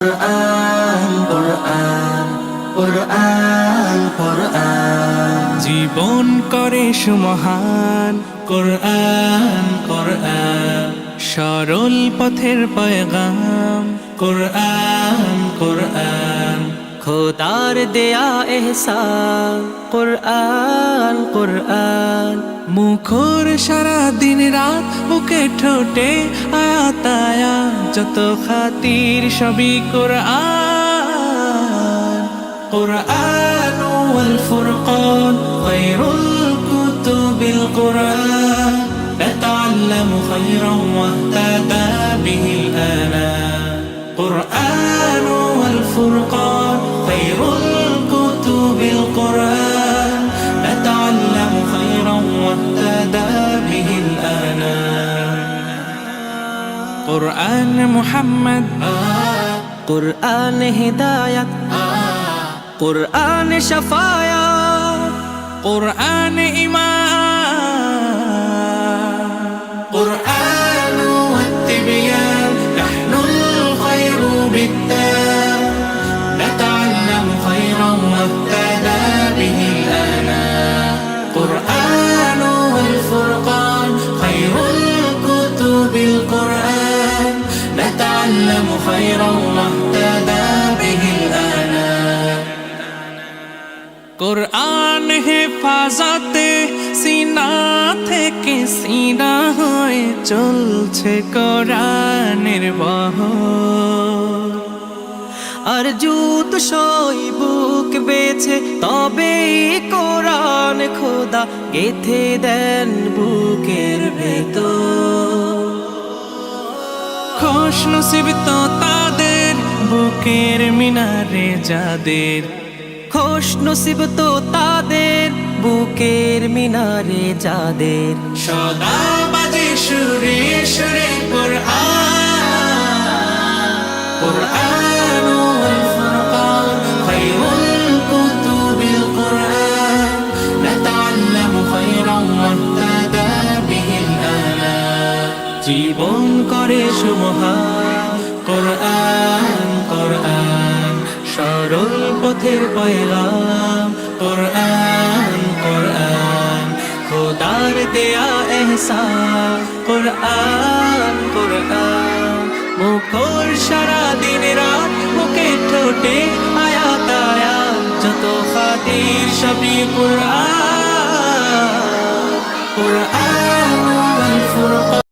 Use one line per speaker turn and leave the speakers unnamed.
কুরআন কুরআন কুরআন কুরআন জীবন করে সুমহান কুরআন কুরআন সরল পথের পয়গাম কুরআন কুরআন খোদার দেয়া এহসান কুরআন কুরআন মুখর সারা দিন রাত বুকে ঠোঁটে আয়াত আয়াত যত খাতির সবই কুরআন কুরআন ওয়াল ফুরকান খায়রুল কুতুবিল কুরআন نتعلم خيرا واهتدى به الآنام قرآن والفرقان خير الكتب القرآن نتعلم خيرا واهتدى به الآنام قرآن محمد
قرآن هداية قرآن شفايا
قرآن إيمان قرآن والتبيان نحن الخير بالتام نتعلم خيرا واهتدى به الآنام قرآن والفرقان خير الكتب القرآن نتعلم خيرا واهتدى به الآنام قرآن হেফাজতে সিনা থেকে সিনা হয়ে চলছে কোরআনের বহর
আর জুত সই বুক বেছে তবে কোরআন খোদা গেথে দেন বুকের ভেতর
খুশ নসিব তো তাদের বুকের মিনারে যাদের
খুশ নসিব তো তাদের বুকের মিনারে যাদের
সদা বাজে সুরে সুরে কুরআন কুরআন ওয়াল ফুরকান খায়রুল কুতুবিল কুরআন নাতাআল্লামু খায়রান ওয়াহতাদা বিহিল আনাম জীবন করে সুমহান কুরআন কুরআন সরল পথের পয়গাম কুরআন কুরআন খোদার দেয়া এহসান কুরআন কুরআন মুখর সারা দিন রাত মুখে ঠোঁটে আয়াত আয়াত যত খাতির সবই কুরআন কুরআন